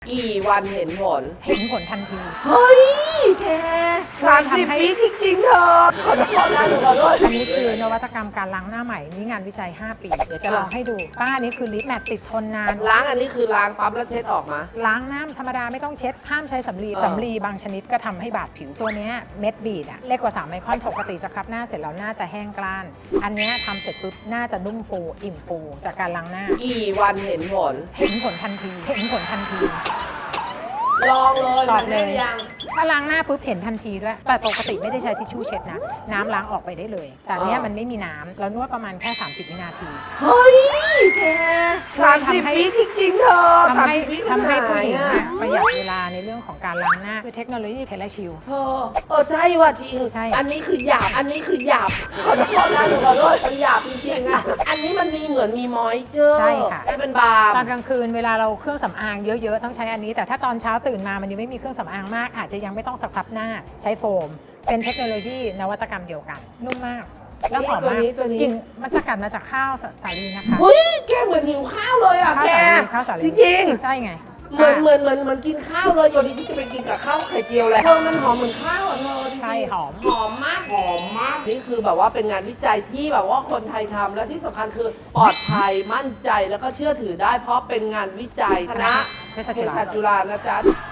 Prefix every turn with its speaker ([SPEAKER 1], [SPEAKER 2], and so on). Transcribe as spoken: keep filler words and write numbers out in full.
[SPEAKER 1] กี่วันเห็นผล
[SPEAKER 2] เห็นผลทันที
[SPEAKER 1] เฮ้ยแกสามสิบปีจริงๆเธอขอโทษนะหนูขอโทษ
[SPEAKER 2] อันนี้คือนวัตกรรมการล้างหน้าใหม่นี่งานวิจัย ห้า ปี เดี๋ยวจะลองให้ดูป้าอันนี้คือลิปแมตติดทนนาน
[SPEAKER 1] ล้างอันนี้คือล้างปั๊บแล้วเช็ดออกมา
[SPEAKER 2] ล้างน้ำธรรมดาไม่ต้องเช็ด ห้ามใช้สำลี
[SPEAKER 1] เออ
[SPEAKER 2] สำลีบางชนิดก็ทำให้บาดผิวตัวเนี้ยเม็ดบีดอะเล็กกว่าสามไมครอนปกติสครับหน้าเสร็จแล้วหน้าจะแห้งกร้าน อันเนี้ยทำเสร็จปุ๊บหน้าจะนุ่มฟูอิ่มฟูจากการล้างหน้า
[SPEAKER 1] กี่วันเห็นผล
[SPEAKER 2] เห็นผลทันที เห็นผลทันที
[SPEAKER 1] ลองเลย
[SPEAKER 2] ลองเลย
[SPEAKER 1] มันได้ยัง
[SPEAKER 2] ถ้าล้างหน้าปุ๊บเห็นทันทีด้วย แต่ปกติไม่ได้ใช้ทิชชู่เช็ดนะ น้ำล้างออกไปได้เลย แต่เนี้ยมันไม่มีน้ำเรานวดประมาณแค่ สามสิบ วินาที
[SPEAKER 1] เฮ้ยแกสามสิบปีจริงๆเธอ
[SPEAKER 2] ทำให้
[SPEAKER 1] สามสิบปี
[SPEAKER 2] ทำให้ผู้หญิง
[SPEAKER 1] อะ
[SPEAKER 2] เนี่ยประหยัดเวลาในเรื่องของการล้างหน้าคือเทคโนโลยีเทเลชิล
[SPEAKER 1] เธอเออใช่ว่ะจริง
[SPEAKER 2] ใช่
[SPEAKER 1] อันนี้คือหยาบ อันนี้คือหยาบขอโทษนะหนูขอโทษมันหยาบจริงๆอ่ะ อันนี้มันมีเหมือนมีมอยเจอร์
[SPEAKER 2] ใช่ค่ะ
[SPEAKER 1] ให้เป็นบาร์
[SPEAKER 2] ตอนกลางคืนเวลาเราเครื่องสำอางเยอะๆต้องใช้อันนี้ แต่ถ้าตอนเช้าตื่นมามันยังไม่มีเครื่องสำอางมาก อาจจะยังไม่ต้องสครับหน้าใช้โฟม เป็นเทคโนโลยีนวัตกรรมเดียวกัน นุ่มมาก แล้วหอมมากกลิ่นมันสกัดมาจากข้าวสาลีนะคะ
[SPEAKER 1] เฮ้ยแกเหมือนหิวข้าวเลยอ่ะ
[SPEAKER 2] ข้าว
[SPEAKER 1] แก
[SPEAKER 2] สาลีข้าวสาลี
[SPEAKER 1] จริง
[SPEAKER 2] ใช่ไง
[SPEAKER 1] ๆเหมือนเหมือนเหมือนเหมือนกินข้าวเลยอยู่ดีที่จะไปกินกับข้าวไข่เจียวแหละเธอมันหอมเหมือนข้าวอ่ะเธอจริงๆ
[SPEAKER 2] ใช่หอม
[SPEAKER 1] หอมมากหอมมากนี่คือแบบว่าเป็นงานวิจัยที่แบบว่าคนไทยทำและที่สำคัญคือปลอดภัยมั่นใจแล้วก็เชื่อถือได้เพราะเป็นงานวิจัยคณะ
[SPEAKER 2] เภสัชจุฬา
[SPEAKER 1] เภสัชจุฬานะจ๊ะ